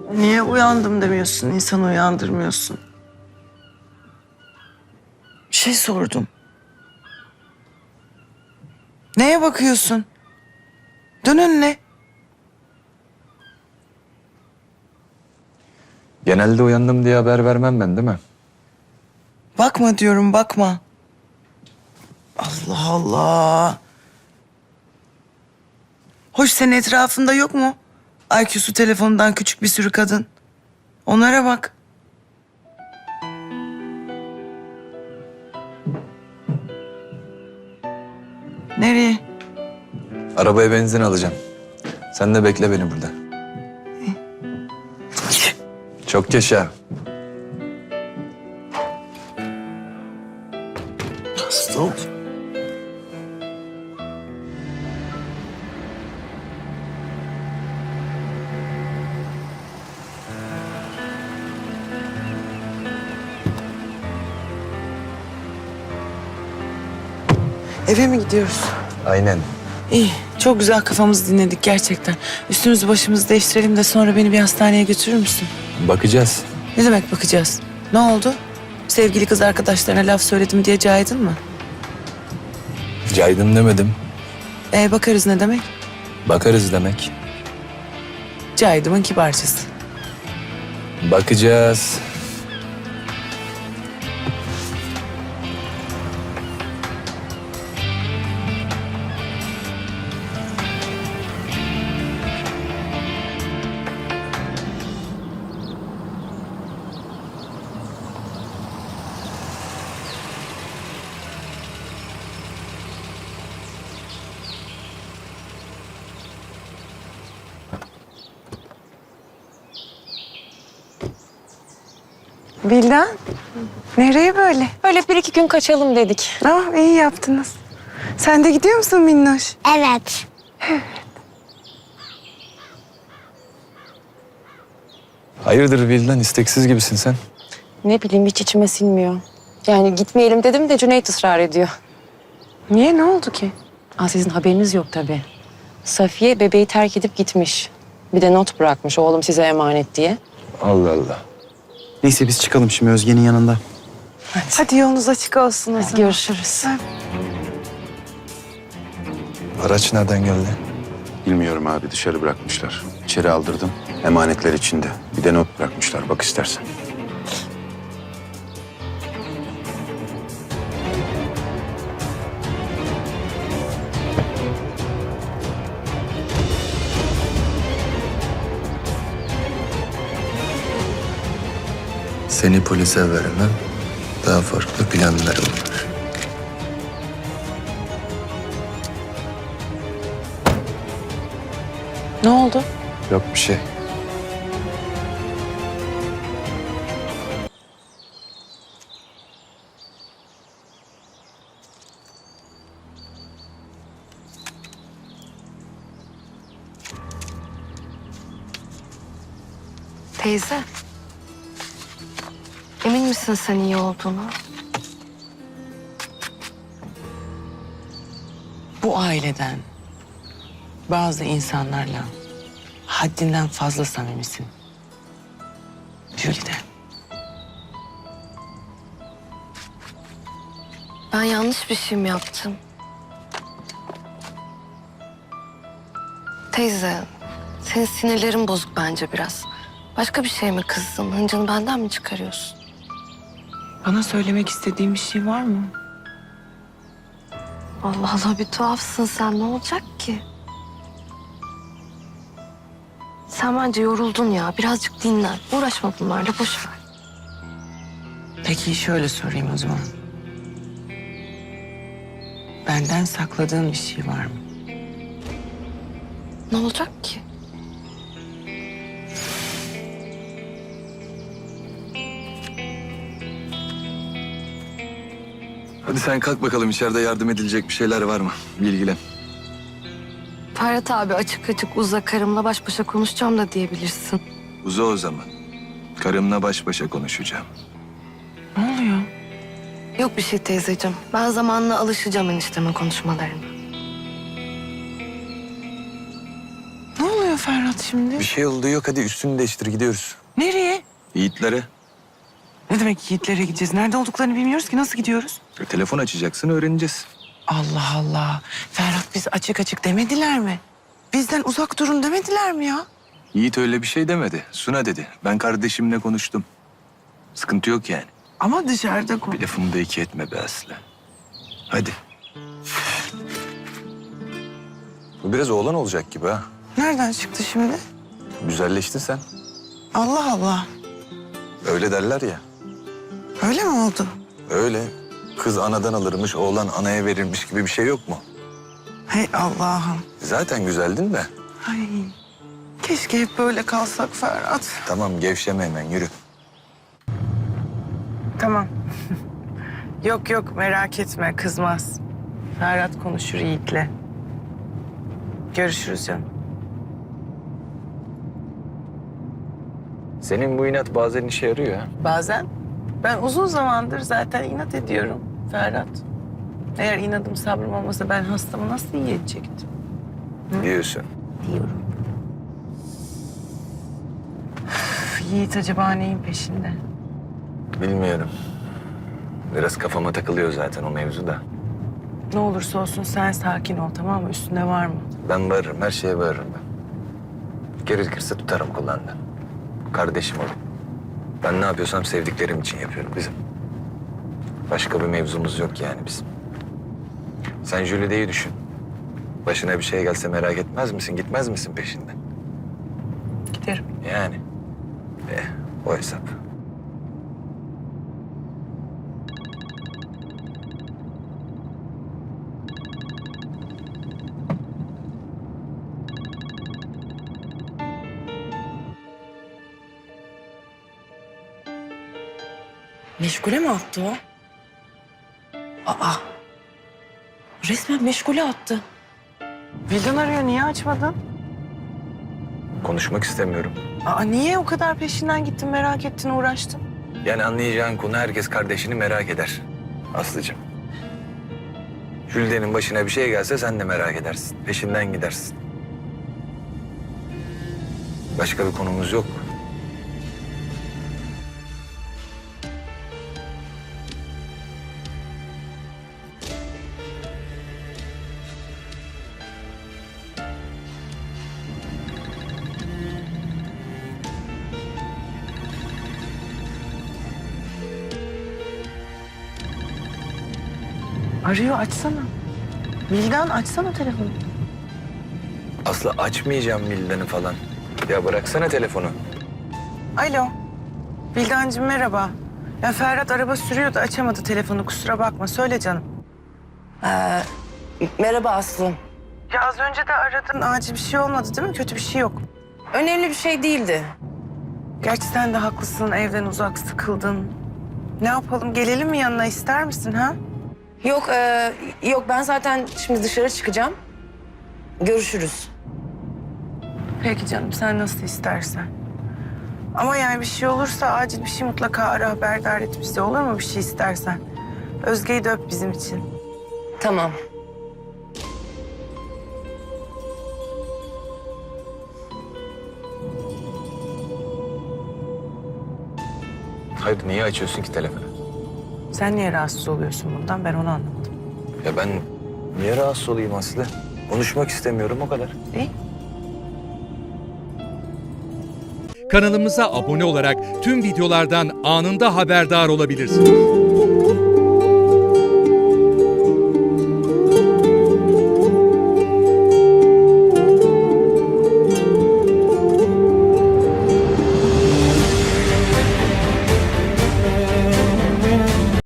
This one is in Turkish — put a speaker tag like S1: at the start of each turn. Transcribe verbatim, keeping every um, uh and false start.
S1: Niye uyandım demiyorsun, insanı uyandırmıyorsun? Bir şey sordum. Neye bakıyorsun? Dön önüne.
S2: Genelde uyandım diye haber vermem ben, değil mi?
S1: Bakma diyorum, bakma. Allah Allah. Hoş, senin etrafında yok mu I Q'su telefonundan küçük bir sürü kadın? Onlara bak. Nereye?
S2: Arabaya benzin alacağım. Sen de bekle beni burada. Çok yaşa.
S1: Hasta ol. Eve mi gidiyoruz?
S2: Aynen.
S1: İyi, çok güzel kafamızı dinledik gerçekten. Üstümüzü başımızı değiştirelim de sonra beni bir hastaneye götürür müsün?
S2: Bakacağız.
S1: Ne demek bakacağız? Ne oldu? Sevgili kız arkadaşlarına laf söyledim diye caydın mı?
S2: Caydım demedim.
S1: Ee, bakarız ne demek?
S2: Bakarız demek.
S1: Caydımın kibarcası.
S2: Bakacağız.
S1: Bildan, nereye böyle?
S3: Öyle bir iki gün kaçalım dedik.
S1: Ah, iyi yaptınız. Sen de gidiyor musun Minnoş?
S4: Evet.
S2: Hayırdır Vildan, isteksiz gibisin sen.
S3: Ne bileyim hiç içime sinmiyor. Yani gitmeyelim dedim de Cüneyt ısrar ediyor.
S1: Niye, ne oldu ki?
S3: Aa, sizin haberiniz yok tabii. Safiye bebeği terk edip gitmiş. Bir de not bırakmış oğlum size emanet diye.
S2: Allah Allah.
S5: Neyse biz çıkalım şimdi Özge'nin yanında.
S1: Hadi yolunuz açık olsun o
S3: Hadi
S1: zaman.
S3: görüşürüz.
S2: Araç nereden geldi?
S6: Bilmiyorum abi, dışarı bırakmışlar. İçeri aldırdım. Emanetler içinde. Bir de not bırakmışlar, bak istersen.
S2: Seni polise vermem. Daha farklı planlarım var.
S1: Ne oldu?
S2: Yok bir şey.
S4: Teyze. Emin misin sen iyi olduğunu?
S1: Bu aileden bazı insanlarla haddinden fazla samimisin. Jülide.
S4: Ben yanlış bir şey mi yaptım? Teyze, senin sinirlerin bozuk bence biraz. Başka bir şey mi kızdın? Hıncını benden mi çıkarıyorsun?
S1: Bana söylemek istediğin bir şey var mı?
S4: Allah Allah, bir tuhafsın sen. Ne olacak ki? Sen bence yoruldun ya. Birazcık dinlen. Uğraşma bunlarla, boş ver.
S1: Peki şöyle sorayım o zaman. Benden sakladığın bir şey var mı?
S4: Ne olacak ki?
S2: Hadi sen kalk bakalım, içeride yardım edilecek bir şeyler var mı? Bilgilen.
S4: Ferhat abi, açık açık uza, karımla baş başa konuşacağım da diyebilirsin.
S2: Uza o zaman. Karımla baş başa konuşacağım.
S1: Ne oluyor?
S4: Yok bir şey teyzeciğim. Ben zamanla alışacağım eniştemin konuşmalarına.
S1: Ne oluyor Ferhat şimdi?
S2: Bir şey olduğu yok, hadi üstünü değiştir gidiyoruz.
S1: Nereye?
S2: Yiğitlere.
S1: Ne demek Yiğitlere gideceğiz? Nerede olduklarını bilmiyoruz ki. Nasıl gidiyoruz?
S2: E, telefon açacaksın, öğreneceğiz.
S1: Allah Allah. Ferhat biz açık açık demediler mi? Bizden uzak durun demediler mi ya?
S2: Yiğit öyle bir şey demedi. Suna dedi. Ben kardeşimle konuştum. Sıkıntı yok yani.
S1: Ama dışarıda konu.
S2: Bir lafımı da iki etme be Aslı. Hadi. Bu biraz oğlan olacak gibi ha.
S1: Nereden çıktı şimdi?
S2: Güzelleştin sen.
S1: Allah Allah.
S2: Öyle derler ya.
S1: Öyle mi oldu?
S2: Öyle. Kız anadan alırmış, oğlan anaya verirmiş gibi bir şey yok mu?
S1: Hey Allah'ım.
S2: Zaten güzeldin de.
S1: Ay. Keşke hep böyle kalsak Ferhat.
S2: Tamam, gevşeme hemen, yürü.
S1: Tamam. Yok yok merak etme kızmaz. Ferhat konuşur Yiğit'le. Görüşürüz canım.
S2: Senin bu inat bazen işe yarıyor ha.
S1: Bazen ben uzun zamandır zaten inat ediyorum Ferhat. Eğer inadım sabrım olmasa ben hastamı nasıl iyi edecektim
S2: Diyorsun.
S1: diyorum. Üf, Yiğit acaba neyin peşinde?
S2: Bilmiyorum. Biraz kafama takılıyor zaten o mevzu da.
S1: Ne olursa olsun sen sakin ol tamam mı? Üstünde var mı?
S2: Ben varırım, her şeye varırım ben. Gerekirse tutarım kulağından. Kardeşim oğlum. Ben ne yapıyorsam sevdiklerim için yapıyorum bizim. Başka bir mevzumuz yok yani bizim. Sen Jülide'yi düşün. Başına bir şey gelse merak etmez misin? Gitmez misin peşinden?
S1: Giderim.
S2: Yani. Eh, o hesap.
S3: Meşgule mi attı o? Aa. Resmen meşgule attı.
S1: Vildan arıyor niye açmadın?
S2: Konuşmak istemiyorum.
S1: Aa, niye o kadar peşinden gittin merak ettin uğraştın?
S2: Yani anlayacağın konu herkes kardeşini merak eder. Aslıcığım. Jülide'nin başına bir şey gelse sen de merak edersin. Peşinden gidersin. Başka bir konumuz yok.
S1: Arıyor açsana. Vildan açsana telefonu.
S2: Aslı açmayacağım Vildan'ı falan. Ya bıraksana telefonu.
S1: Alo. Vildancığım merhaba. Ya Ferhat araba sürüyordu açamadı telefonu kusura bakma söyle canım.
S3: Ee, merhaba Aslı.
S1: Ya az önce de aradın acil bir şey olmadı değil mi? Kötü bir şey yok.
S3: Önemli bir şey değildi.
S1: Gerçi sen de haklısın evden uzak sıkıldın. Ne yapalım gelelim mi yanına ister misin ha?
S3: Yok, e, yok ben zaten şimdi dışarı çıkacağım. Görüşürüz.
S1: Peki canım sen nasıl istersen. Ama yani bir şey olursa acil bir şey mutlaka ara haberdar et bizi olur mu bir şey istersen. Özge'yi de öp bizim için.
S3: Tamam.
S2: Hayır, niye açıyorsun ki telefonu?
S1: Sen niye rahatsız oluyorsun bundan ben onu anlamadım.
S2: Ya ben niye rahatsız olayım Aslı? Konuşmak istemiyorum o kadar.
S1: İyi.
S7: Kanalımıza abone olarak tüm videolardan anında haberdar olabilirsiniz.